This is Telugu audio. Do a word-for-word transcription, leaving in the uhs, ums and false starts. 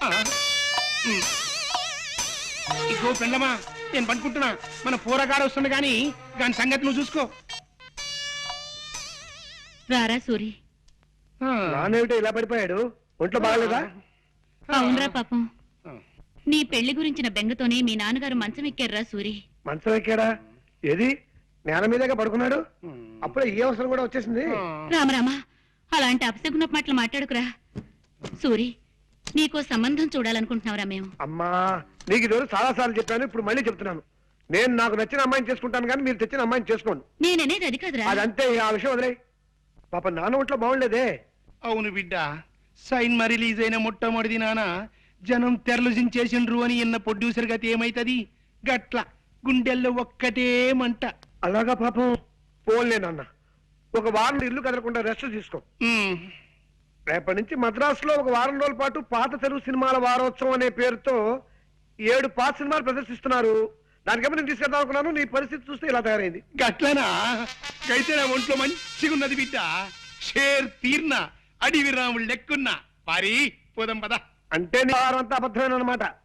ఇగో పెండ్లమా నేను పనుకుంటున్నా, మన పూరగాడు వస్తుంది గాని దాని సంగతి నువ్వు చూసుకో. రారా సూరి. నానేమిటో ఇలా పడిపోయాడు, ఒంట్లో బాగలేదా? అవునరా పాపం, నీ పెళ్లి గురించిన బెంగతోనే మీ నాన్నగారు మంచం ఎక్కారా సూరి. మంచం ఎక్కాడా? ఏది నేల మీదగా పడుకున్నాడు? అప్పుడే ఈ అవసరం కూడా వచ్చేసింది. రామరామా, అలాంటి అపశకున మాటలు మాట్లాడుకురా సూరి. నీకో సంబంధం చూడాలనుకుంటున్నావురా మేము. అమ్మా, నీకు ఈరోజు చాలా సార్లు చెప్పాను, ఇప్పుడు మళ్ళీ చెప్తున్నాను. నేను నాకు నచ్చిన అమ్మాయిని చేసుకుంటాను కానీ మీరు తెచ్చిన అమ్మాయిని చేసుకోండి. నేననేది అది కాదురా. అదంతే, ఆ విషయం వదిలే. పాప నాన్న ఒంట్లో బాగుండేదే. అవును బిడ్డ, సైన్ మా రిలీజ్ అయిన మొట్టమొదటి నాన్న జనం తెరలు జించేసిండ్రు అని ఎన్న ప్రొడ్యూసర్ గతి ఏమైతది? గట్ల గుండెల్లో ఒక్కటే మంట. అలాగా పాపం. పోన్లే నాన్న, ఒక వారం ఇల్లు కదలకుండా రెస్ట్ తీసుకో. రేపటి నుంచి మద్రాసులో ఒక వారం రోజుల పాటు పాత తెలుగు సినిమాల వారోత్సవం అనే పేరుతో ఏడు పాత సినిమాలు ప్రదర్శిస్తున్నారు. దానికేమో నేను తీసుకెళ్దాం అనుకున్నాను, నీ పరిస్థితి చూస్తే ఇలా తయారైంది. గట్లనా? అయితే నా ఒంట్లో మంచిగా ఉన్నది బిడ్డ. షేర్ తీర్న అడివి రాముడు లెక్కున్నా పారి పోదాం పద. అంటే నీ వారం అంతా అబద్ధమైన అనమాట.